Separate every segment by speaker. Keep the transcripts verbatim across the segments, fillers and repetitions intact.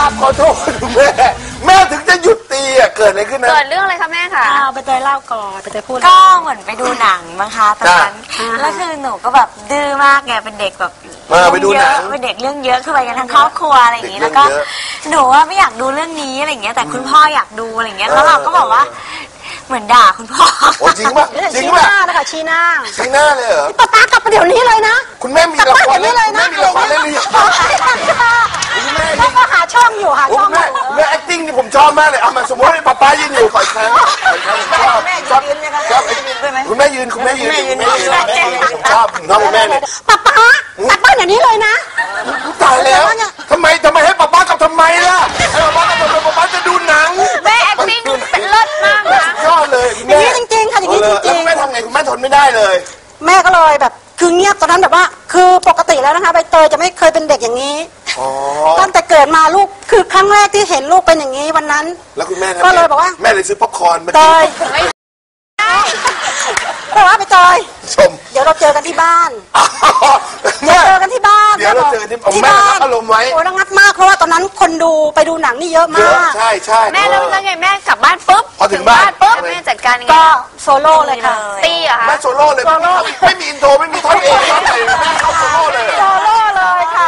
Speaker 1: ขอโทษแม่แม่ถึงจะหยุดตีอ่ะเกิดอะไรขึ้นนะ
Speaker 2: เกิดเรื่องอะไรคะแม่คะ
Speaker 3: เอาไปเตยเล่าก่อนไปเตยพูด
Speaker 4: ก็เหมือนไปดูหนังมั้งคะตอนนั้นแล้วคือหนูก็แบบดื้อมากไงเป็นเด็กแบบ
Speaker 1: ไปดูหนัง
Speaker 4: เป็นเด็กเรื่องเยอะคือไปกันทั้งครอบครัวอะไรอย่างนี้แล้วก็หนูว่าไม่อยากดูเรื่องนี้อะไรอย่างเงี้ยแต่คุณพ่ออยากดูอะไรอย่างเงี้ยแล้วเราก็บอกว่าเหมือนด่าคุณพ่อ
Speaker 1: โอ้จริงป่ะจริงป่ะ
Speaker 3: ชี้หน้านะคะชี้หน้า
Speaker 1: ชี้หน้าเลยเหรอ
Speaker 3: ป้าป้ากลับมาเดี๋ยวนี้เลยนะ
Speaker 1: คุณแม่มีละครเล่นคุณแม่มีละครเล่นหรือยัง
Speaker 3: คุณแม่ก็หาช่องอยู่หาช่องอยู่
Speaker 1: แม่ acting นี่ผมชอบมากเลยเอามาสมมติให้ป้าป้ายืนอยู่ฝ่ายค้าน
Speaker 3: แม่ยืนนะคะ
Speaker 1: คุณแม่ยืนคุณแม่ยืนคุณแม่ยืนผมชอบผมชอบคุณแม่เนี่ย
Speaker 3: ป้าป้ากลับบ้านเดี๋ยวนี้เลยนะ
Speaker 1: ตายแล้วทำไมทำไมให้ป้าป้ากลับทำไมล่ะให้ป้าป้ากลับทำไมป้าป้าจะดูหนัง
Speaker 2: แม่ acting เป็นเลิศมากนะ
Speaker 1: ยอดเลย
Speaker 3: อย่างนี้จริงๆค่ะอย่างนี้จริง
Speaker 1: ๆแม่ทำไงคุณแม่ทนไม่ได้เลย
Speaker 3: แม่ก็เลยแบบคือเงียบตอนนั้นแบบว่าคือปกติแล้วนะคะใบเตยจะไม่เคยเป็นเด็กอย่างนี้ตั้งแต่เกิดมาลูกคือครั้งแรกที่เห็นลูกเป็นอย่างนี้วันนั้น
Speaker 1: แล้วคุณแม่
Speaker 3: ก็เลยบอกว่า
Speaker 1: แม่เลยซื้อป๊อปคอร์นมา
Speaker 3: เตยบอกว่าใบเตย
Speaker 1: ชม
Speaker 3: เดี๋ยวเราเจอกันที่บ้านเจอกันที่บ้าน
Speaker 1: เดี๋ยวเราเจอกันที่บ้านอารมณ์ไว้
Speaker 3: โอ้ระงับมากเพราะว่าตอนนั้นคนดูไปดูหนังนี่เยอะมาก
Speaker 1: ใช่ใช่
Speaker 2: แม่แล้วแล้วไงแม่กลับบ้านปุ๊บ
Speaker 1: พอถึงบ้าน
Speaker 2: ปุ๊บแม่จัดการยังไง
Speaker 3: ก็โซโล่เลยค่ะ
Speaker 2: ตีเหรอคะ
Speaker 1: แม่โซโล่เลยไม่มีอินโทรไม่มีท่อนเองท่อนไหนแม่เข้าโซโล่เลย
Speaker 3: โซโล่เลยค่ะ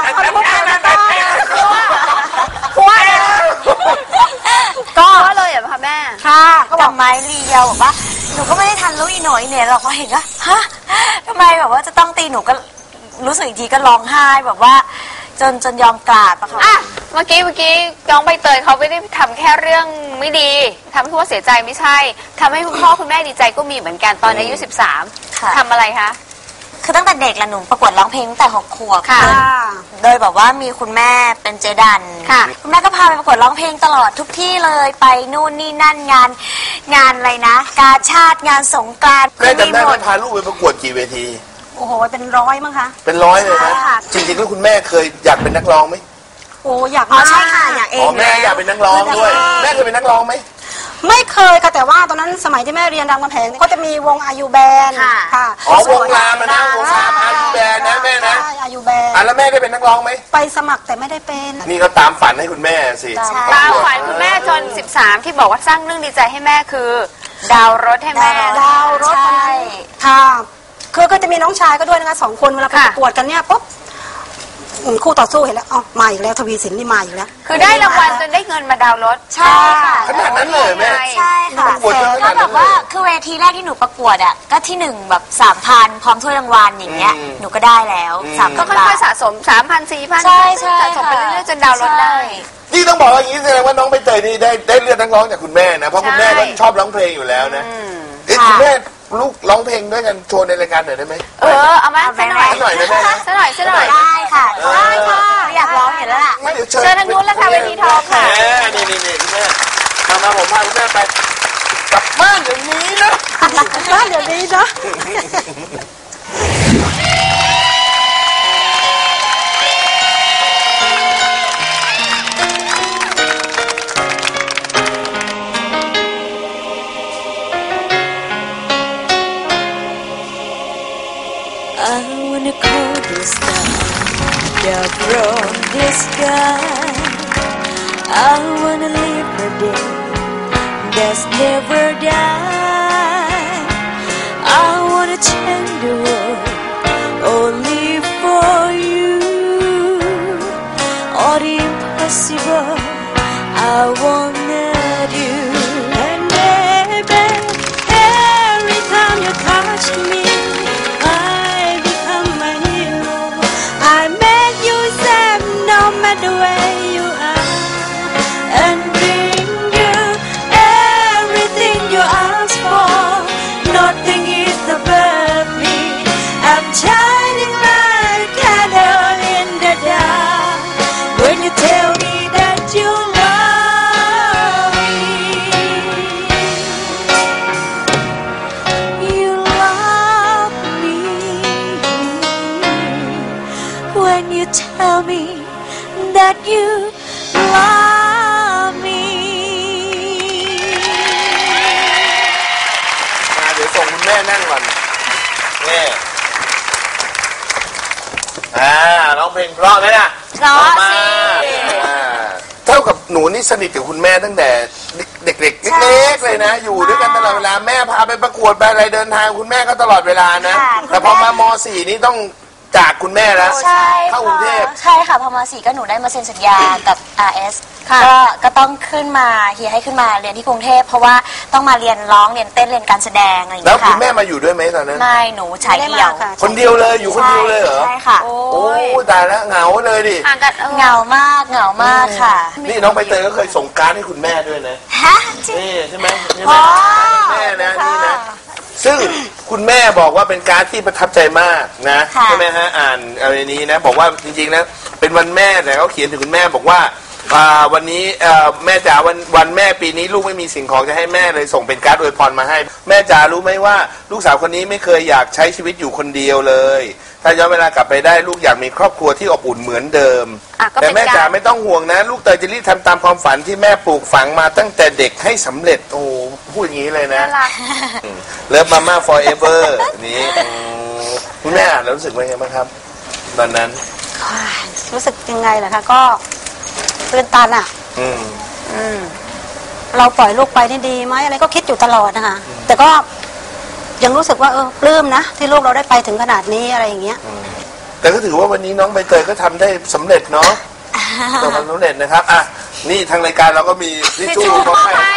Speaker 2: ก็เลยเหรอคะแม่
Speaker 4: ค่ะก็บอกไม้รีเดียวบอกว่าหนูก็ไม่ได้ทันรู้อีหน่อยเนี่ยเราก็เห็นว่าฮะทำไมแบบว่าจะต้องตีหนูก็รู้สึกอีกทีก็ร้องไห้แบบว่าจนจนยอมกราบอะค่ะ
Speaker 2: อ่ะเมื่อกี้เมื่อกี้น้องใบเตยเขาไม่ได้ทำแค่เรื่องไม่ดีทำให้คุณพ่อเสียใจไม่ใช่ทำให้คุณพ่อคุณแม่ดีใจก็มีเหมือนกันตอนอายุสิบสามทำอะไรคะ
Speaker 4: คือตั้งแต่เด็กละหนูประกวดร้องเพลงตั้งแต่หกขวบ
Speaker 2: ค่ะ
Speaker 4: โดยแบบว่ามีคุณแม่เป็นเจดัน
Speaker 2: ค่ะ
Speaker 4: คุณแม่ก็พาไปประกวดร้องเพลงตลอดทุกที่เลยไปนู่นนี่นั่นงานงานอะไรนะกาชาติงานสงกรานต์
Speaker 1: แม่จำได้ไหมพาลูกไปประกวดกี่เวที
Speaker 3: โอ้โหเป็นร้อยมั้งคะ
Speaker 1: เป็นร้อยเลยนะจริงๆแล้วคุณแม่เคยอยากเป็นนักร้องไหม
Speaker 3: โอ้อยาก
Speaker 4: อ๋อใช่ค่ะอยากเอง
Speaker 1: อ๋อแม่อยากเป็นนักร้องด้วยแม่เคยเป็นนักร้องไหม
Speaker 3: ไม่เคยค่ะแต่ว่าตอนนั้นสมัยที่แม่เรียนรามคำแหงก็จะมีวงอายุแบน
Speaker 4: ค่ะ
Speaker 1: อ๋อวงรามนะวงรามอายุแบนนะแม่นะ
Speaker 3: ใช่อายุแบน
Speaker 1: อ่ะแล้วแม่ได้เป็นนักร้องไหม
Speaker 3: ไปสมัครแต่ไม่ได้เป็น
Speaker 1: นี่ก็ตามฝันให้คุณแม่สิ
Speaker 2: ตามฝันคุณแม่จนสิบสามที่บอกว่าสร้างเรื่องดีใจให้แม่คือดาวรถให้แม่
Speaker 3: ดาวรถใช่ค่ะคือก็จะมีน้องชายก็ด้วยนะคะสองคนเวลาไปประกวดกันเนี่ยปุ๊บคู่ต่อสู้เห็นแล้วอ๋อมาอีกแล้วทวีสินนี่มาอีกแล้ว
Speaker 2: คือได้รางวัลจนได้เงินมาดาวรถ
Speaker 4: ใช่ค่ะ
Speaker 1: ขนาดนั้นเลยแม่
Speaker 4: ใช่ค่ะก็แบบว่าคือเวทีแรกที่หนูประกวดอ่ะก็ที่หนึ่งแบบสามพันพร้อมถ้วยรางวัลอย่างเงี้ยหนูก็ได้แล้วสาม
Speaker 2: ก็ค่อยๆสะสมสามพันสี่พัน
Speaker 4: ใช่ใช่
Speaker 2: สะสมไปเรื่อยๆจนดาวรถได้
Speaker 1: นี่ต้องบอกว่าอย่างนี้แสดงว่าน้องใบเตยนี่ได้ได้เลือดนักร้องจากคุณแม่นะเพราะคุณแม่ก็ชอบร้องเพลงอยู่แล้วนะเอ๊ะคุณแม่ลูกร้องเพลงด้วยกันโชว์ในรายการหน่อยได้ไหม
Speaker 2: เออเอามาสักหน่อย
Speaker 1: สักหน่อยได้ไหม
Speaker 2: สักหน่อยสักหน่อย
Speaker 4: ได้ค่ะได้ค่ะอยากร้องเห็นแล้วล่ะ
Speaker 1: เชิญ
Speaker 2: เชิญทางนู้นแล้วค่ะเวทีทองค่ะ
Speaker 1: นี่นี่นี่คุณแม่มามาผมพาคุณแม่ไปกลับบ้านเดี๋ยวนี้นะ
Speaker 3: กลับบ้านเดี๋ยวนี้นะ
Speaker 5: I wanna call this down, down from the sky. I wanna live a day that's never die. I wanna change the world only for you. All the impossible I wanna do. And baby, every time you touch me the way you are and bring you everything you ask for. Nothing is above me. I'm shining like candle in the dark. When you tell me that you love me, you love me. When you tell me that you love me
Speaker 1: เดี๋ยวส่งคุณแม่นั่งก่อนนี่อ่าร้องเพลงเพราะไหมนะ
Speaker 2: เพราะสิ
Speaker 1: เท่ากับหนูนี่สนิทกับคุณแม่ตั้งแต่เด็กๆเล็กๆเลยนะอยู่ด้วยกันตลอดเวลาแม่พาไปประกวดไปอะไรเดินทางคุณแม่ก็ตลอดเวลานะแต่พอมามสี่นี่ต้องจากคุณแม่แล้ว
Speaker 4: ใช่
Speaker 1: เข้ากรุงเทพ
Speaker 4: ใช่ค่ะพอมาสี่ก็หนูได้มาเซ็นสัญญากับ อาร์ เอส ก็ก็ต้องขึ้นมาเฮียให้ขึ้นมาเรียนที่กรุงเทพเพราะว่าต้องมาเรียนร้องเรียนเต้นเรียนการแสดงอะไรอย่าง
Speaker 1: แล้ว
Speaker 4: เงี้ย
Speaker 1: คุ
Speaker 4: ค่ะ
Speaker 1: ณแม่มาอยู่ด้วยไหมตอนนั้น
Speaker 4: ไม่หนูชายเดียว
Speaker 1: คนเดียวเลยอยู่คนเดียวเลยเหรอ
Speaker 4: ใช่ค่ะ
Speaker 1: โอ้ยตายแล้วเหงาเลยดิ
Speaker 2: ห่างกันเออ
Speaker 4: เหงามากเหงามากค่ะ
Speaker 1: นี่น้องใบเตยก็เคยส่งการ์ดให้คุณแม่ด้วยนะ
Speaker 4: ฮะจริง
Speaker 1: นี่ใช่ไหมใช่ไหมแม่นะนี่นะซึ่งคุณแม่บอกว่าเป็นการ์ดที่ประทับใจมากนะใช่ไหมฮะอ่านอะไรนี้นะบอกว่าจริงๆนะเป็นวันแม่แต่เขาเขียนถึงคุณแม่บอกว่าวันนี้แม่จ๋าวันวันแม่ปีนี้ลูกไม่มีสิ่งของจะให้แม่เลยส่งเป็นการ์ดอวยพรมาให้แม่จ๋ารู้ไหมว่าลูกสาวคนนี้ไม่เคยอยากใช้ชีวิตอยู่คนเดียวเลยถ้าย้อนเวลากลับไปได้ลูกอยากมีครอบครัวที่อบอุ่นเหมือนเดิมแต่แม่จ๋าไม่ต้องห่วงนะลูกเตยจะรีบทำตามความฝันที่แม่ปลูกฝังมาตั้งแต่เด็กให้สำเร็จโอ้พูดอย่างนี้เลยนะเลิฟมาม่า forever นี้คุณแม่อ่านแล้วรู้สึกว่าไงบ้างครับตอนนั้น
Speaker 3: รู้สึกยังไงล่ะคะก็ตื่นตันอ่ะ
Speaker 1: อืม
Speaker 3: อืมเราปล่อยลูกไปนี่ดีไหมอะไรก็คิดอยู่ตลอดนะคะแต่ก็ยังรู้สึกว่าเออปลื้มนะที่ลูกเราได้ไปถึงขนาดนี้อะไรอย่างเงี้ย
Speaker 1: แต่ก็ถือว่าวันนี้น้องใบเตยก็ทำได้สำเร็จเนาะประสบความสำเร็จนะครับอ่ะนี่ทางรายการเราก็มีทิชชู่มาให้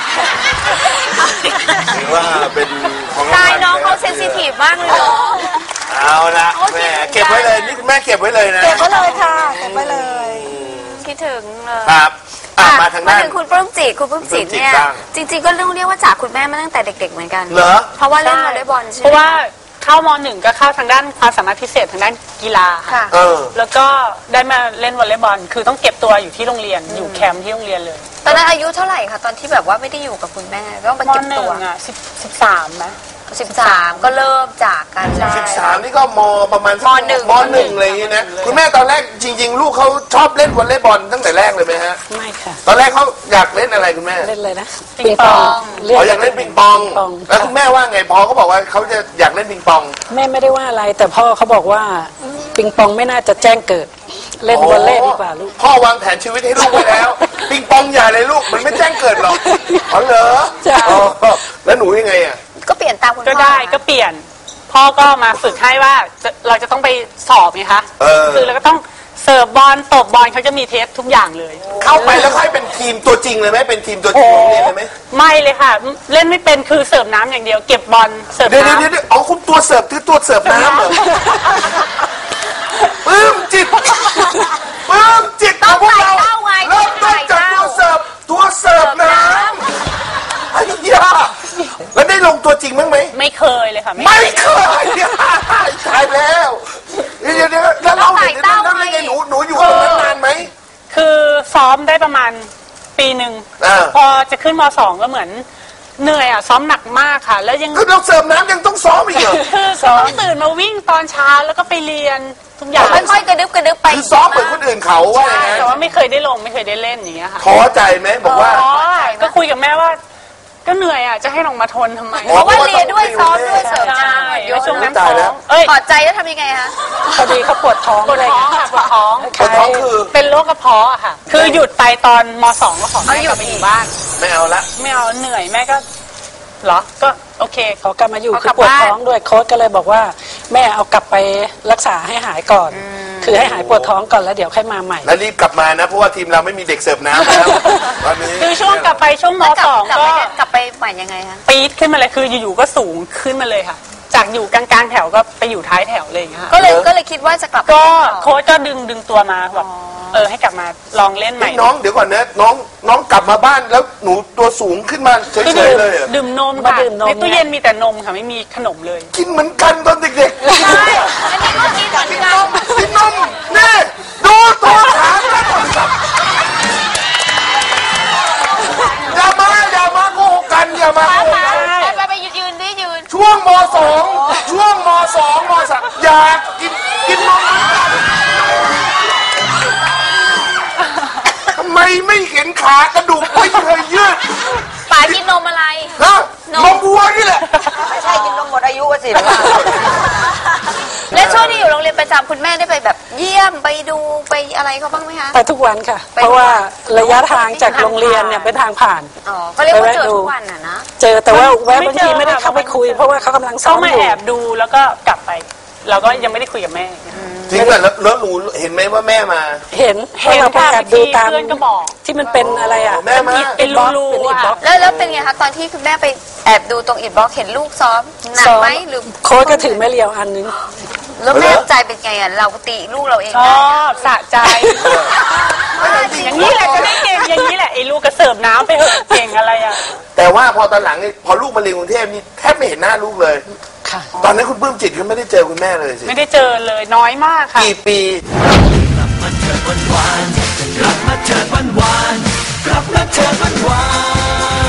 Speaker 1: ถือว่าเป็นของรางวัล
Speaker 2: ตายน้องเขาเซนซิทีฟมากเลยเนาะ
Speaker 1: เอาละแม่เก็บไว้เลยนี่คุณแม่เก็บไว้เลยนะ
Speaker 3: เก็บไว้เลยค่ะเก็บไว้เลย
Speaker 2: คิดถึงเลย
Speaker 1: ครับมาทางด้าน
Speaker 2: มาถึงคุณปลื้มจิตคุณปลื้มจิตเนี่ยจริงๆก็เรื่องเรียกว่าจากคุณแม่มาตั้งแต่เด็กๆเหมือนกัน
Speaker 1: เหรอ
Speaker 2: เพราะว่าเล่นวอลเลย์บอลใช่ไหม
Speaker 5: เพราะว่าเข้ามหนึ่งก็เข้าทางด้านความสามารถพิเศษทางด้านกีฬาค่ะแล้วก็ได้มาเล่นวอลเลย์บอลคือต้องเก็บตัวอยู่ที่โรงเรียนอยู่แคมป์ที่โรงเรียนเลย
Speaker 2: ตอนนั้นอายุเท่าไหร่คะตอนที่แบบว่าไม่ได้อยู่กับคุณแม่ต้องไปเก็บตัว
Speaker 5: อ่ะสิบสิบสามนะ
Speaker 2: สิบสามก็เริ่มจากกัน
Speaker 1: สิบสามนี่ก็มประมาณมหนึ่งมหนึ่งอะไรอย่างนี้นะคุณแม่ตอนแรกจริงๆลูกเขาชอบเล่นวอลเลย์บอลตั้งแต่แรกเลยไหมฮะ
Speaker 5: ไม่ค่ะ
Speaker 1: ตอนแรกเขาอยากเล่นอะไรคุณแม่
Speaker 5: เล่นเลยนะ
Speaker 2: ปิงปอง
Speaker 1: อ๋ออยากเล่นปิงปองแล้วคุณแม่ว่าไงพอเขาบอกว่าเขาจะอยากเล่นปิงปอง
Speaker 5: แม่ไม่ได้ว่าอะไรแต่พ่อเขาบอกว่าปิงปองไม่น่าจะแจ้งเกิดเล่นวอลเลย์ดีกว่าลูก
Speaker 1: พ่อวางแผนชีวิตให้ลูกไว้แล้วปิงปองอย่าเลยลูกมันไม่แจ้งเกิดหรอกอ๋อเหรอแล้วหนูยังไงอ่ะ
Speaker 2: ก็เปลี่ยนตามคุณพ่อ
Speaker 5: ก็ได้ก็เปลี่ยนพ่อก็มาฝึกให้ว่าเราจะต้องไปสอบไงคะคือเราก็ต้องเสิร์ฟบอลตบบอลเขาจะมีเทสทุกอย่างเลย
Speaker 1: เข้าไปแล้วให้เป็นทีมตัวจริงเลยไหมเป็นทีมตัวจริงของเรียนเลยไหม
Speaker 5: ไม่เลยค่ะเล่นไม่เป็นคือเสิร์ฟน้ำอย่างเดียวเก็บบอลเสิร์ฟน้ำ
Speaker 1: เดี๋ยวเดี๋ยวอ๋อคุณตัวเสิร์ฟคือตัวเสิร์ฟน้ำเหรอปลื้มจิตปลื้มจิต
Speaker 2: ต้องใส่เต้าไง
Speaker 1: เริ่มต้นจากตัวเสิร์ฟตัวเสิร์ฟน้ำไอ้ยาแล้วได้ลงตัวจริงมั้งไหม
Speaker 5: ไม่เคยเลยค่ะ
Speaker 1: ไม่เคยตายแล้วเดี๋ยวเดี๋ยวแล้วเราเห็นแล้วแล้วไงหนูหนูอยู่ตรงนั้นนานไหม
Speaker 5: คือซ้อมได้ประมาณปีหนึ่งพอจะขึ้นมสองก็เหมือนเหนื่อยอ่ะซ้อมหนักมากค่ะแล้วยัง
Speaker 1: คือเราเสริมน้ำยังต้องซ้อมอีกเหรอ
Speaker 5: คือต้องตื่นมาวิ่งตอนเช้าแล้วก็ไปเรียนทุกอย่าง
Speaker 2: ค่อยๆกระดึบกระดึบไป
Speaker 1: คือซ้อมเหมือนคนอื่นเขาว่าอย่างนั้น
Speaker 5: แต่ว่าไม่เคยได้ลงไม่เคยได้เล่นอย่างเงี้ยค่ะ
Speaker 1: ท้อใจไหมบอกว่า
Speaker 5: ก็คุยกับแม่ว่าก็เหนื่อยอ่ะจะให้ลงมาทนทำไม
Speaker 2: เพราะว่าเรียนด้วยซ้อมด้วยเสริมน้
Speaker 5: ำแล้วช่วงนั้นท้อง
Speaker 2: ถอดใจแล้วทำยังไงคะ
Speaker 5: พอดีเขาปวดท้อง
Speaker 2: ปวดท้องค่ะปวดท้อง
Speaker 1: ปวดท้องคือ
Speaker 5: เป็นโรคกระเพาะอะค่ะคือหยุดไปตอนมสองก็ขอแม่กลับไปอยู่บ้าน
Speaker 1: ไม่เอาละ
Speaker 5: ไม่เอาเหนื่อยแม่ก็เหรอก็โอเคเขากลับมาอยู่คือปวดท้องด้วยโค้ชก็เลยบอกว่าแม่เอากลับไปรักษาให้หายก่อนคือให้หายปวดท้องก่อนแล้วเดี๋ยวค่อยมาใหม่
Speaker 1: แล้วรีบกลับมานะเพราะว่าทีมเราไม่มีเด็กเสิร์ฟน้ำแล้วตอนนี้
Speaker 5: คือช่วงกลับไปช่วงมสองก็
Speaker 2: กลับไปใหม่ยังไงคะ
Speaker 5: ปี๊ดขึ้นมาเลยคืออยู่ๆก็สูงขึ้นมาเลยค่ะจากอยู่กลางๆแถวก็ไปอยู่ท้ายแถวเลยค่ะ
Speaker 2: ก็เลยก็เลยคิดว่าจะกลับ
Speaker 5: ก็โค้ชก็ดึงดึงตัวมาแบบเออให้กลับมาลองเล่นใหม่
Speaker 1: น้องเดี๋ยวก่อนนะน้องน้องกลับมาบ้านแล้วหนูตัวสูงขึ้นมาเฉยๆเลย
Speaker 5: ดื่มนมค่ะในตู้เย็นมีแต่นมค่ะไม่มีขนมเลย
Speaker 1: กินเหมือนกันตอนเด็กๆ
Speaker 2: ใช่อันนี้ก็กินเหมือนกัน
Speaker 1: กินนมนี่ดูตัวขาอย่ามาอย่ามาโกหกกันอย่ามาโกหกกัน
Speaker 2: ไปไปยืนดิยืน
Speaker 1: ช่วงมสองช่วงมสองมสามอยากกินกินนมทำไมไม่เห็นขากระดูกไม่เคยยืด
Speaker 2: ป๋ากินนมอะไร
Speaker 1: ฮะนมวัวนี่แหละ
Speaker 4: ไม่ใช่กินนมหมดอายุสิ
Speaker 2: แล้วช่วงที่อยู่โรงเรียนเรียนประจำคุณแม่ได้ไปแบบเยี่ยมไปดูไปอะไรเขาบ้างไหมคะ
Speaker 3: ไปทุกวันค่ะ เพราะว่าระยะทางจากโรงเรียนเนี่ยเป็นทางผ่าน
Speaker 2: อ๋อเขาเรียกว่าเจอทุกวันอ่ะนะ
Speaker 3: เจอแต่ว่าแวะบางทีไม่ได้เข้าไปคุย เพราะว่าเขากำลังซ้อ
Speaker 6: เขา
Speaker 3: ม
Speaker 6: มา
Speaker 3: อยู่
Speaker 6: แอบดูแล้วก็กลับไป เราก็ยังไม่ได้คุยกับแม่
Speaker 1: จริงป่ะแล้วแล้วหนูเห็นไหมว่าแม่มา
Speaker 3: เห็น
Speaker 6: เห็น
Speaker 3: เราไป
Speaker 6: ค่ะ
Speaker 3: แอบดูตาม
Speaker 6: เพื่อนก็บอก
Speaker 3: ที่มันเป็นอะไรอ่ะ
Speaker 1: แม่มา
Speaker 6: เป็นรูๆ
Speaker 3: เป็นอิฐบล็อก
Speaker 2: แล้วแล้วเป็นไงคะตอนที่คุณแม่ไปแอบดูตรงอิฐบล็อกเห็นลูกซ้อมหนัก
Speaker 3: ซ้อม
Speaker 2: ไหมหรือ
Speaker 3: โค้ชก็ถือไม้เรียวอันนึง
Speaker 2: แล้วแม่ใจเป็นไงอ่ะเราตีลูกเราเอง
Speaker 6: ช
Speaker 2: ได้
Speaker 6: อบสะใจ อย่างนี้แหละจะได้เก่งอย่างนี้แหละไอ้ลูกก็เสิร์ฟน้ำไปเหอะเก่งอะไรอ่ะ
Speaker 1: แต่ว่าพอตอนหลังนี่พอลูกมาเรียนกรุงเทพนี่แทบไม่เห็นหน้าลูกเลย
Speaker 3: ค่ะ
Speaker 1: ตอนนั้นคุณปลื้มจิตก็ไม่ได้เจอคุณแม่เลยสิ
Speaker 6: ไม่ได้เจอเลยน้อยมากค่ะ
Speaker 1: กี่ปี
Speaker 7: กลับมาเถิดวันวานกลับมาเถิดวันวาน